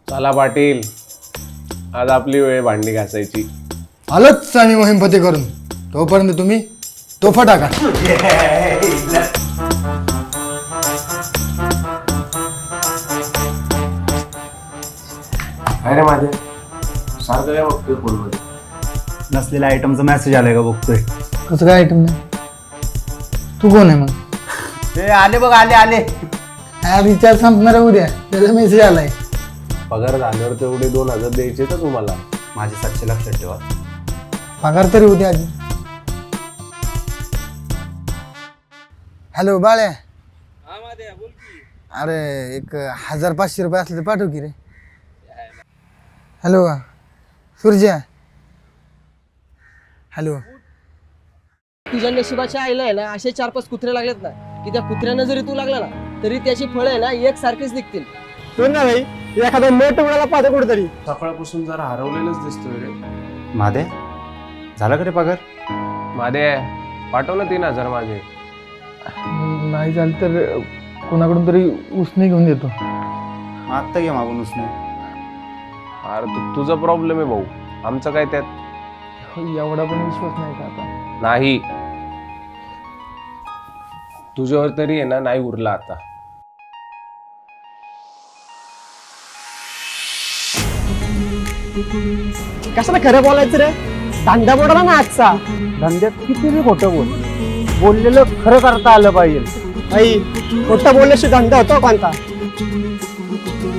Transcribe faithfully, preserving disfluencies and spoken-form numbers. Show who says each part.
Speaker 1: चला पाटील, आज आपली वेळ भांडी घासायची.
Speaker 2: आलोच आम्ही मोहीम फते करून. तोपर्यंत तुम्ही तोफा टाका.
Speaker 1: अरे माझ्या सारखं काय बघतोय फोनमध्ये?
Speaker 3: नसलेल्या आयटमचा मेसेज आलाय का बघतोय.
Speaker 2: कसं काय आयटम नाही? तू कोण आहे मग?
Speaker 3: ते आले बघ, आले आले.
Speaker 2: हा रिचार्ज संपणार आहे उद्या, त्याचा मेसेज आलाय.
Speaker 1: पगार झाल्यावर तेवढे दोन हजार द्यायचे तर तुम्हाला.
Speaker 3: माझे सातशे लक्षात ठेवा.
Speaker 2: पगार तरी उद्या आधी. हॅलो बाळ्या. अरे एक हजार पाचशे रुपये असले तर पाठव की रे. हॅलो सूर्या. हॅलो.
Speaker 4: तुझ्या नशिबाच्या आईला आहे ना असे चार पाच कुत्रे लागलेत ना की त्या कुत्र्यांना जरी तू लागला ना तरी त्याची फळं आहे ना एक सारखीच निघतील.
Speaker 2: ना भाई एखादा मोठ उडाला पाहतो कुठेतरी.
Speaker 1: सकाळपासून जरा हरवलेलंच दिसतोय रे.
Speaker 3: मादे झाला का रे पगार?
Speaker 1: मादे पाठव ना तीन हजार माझे.
Speaker 2: नाही झालं तर कोणाकडून तरी उसने घेऊन देतो.
Speaker 3: आत्ता घे मागून उसने.
Speaker 1: अरे तू तुझा प्रॉब्लेम आहे भाऊ, आमचं काय त्यात.
Speaker 2: एवढा पण विश्वास नाही का आता?
Speaker 1: नाही, तुझ्यावर तरी आहे ना नाही उरला आता.
Speaker 4: कशाला खरं बोलायचं रे? धंदा बोलला ना आजचा.
Speaker 5: धंद्यात किती बी खोटं बोल, बोललेलं खरं करता आलं पाहिजे.
Speaker 4: आई खोटं बोलल्याशी धंदा होतो कोणता?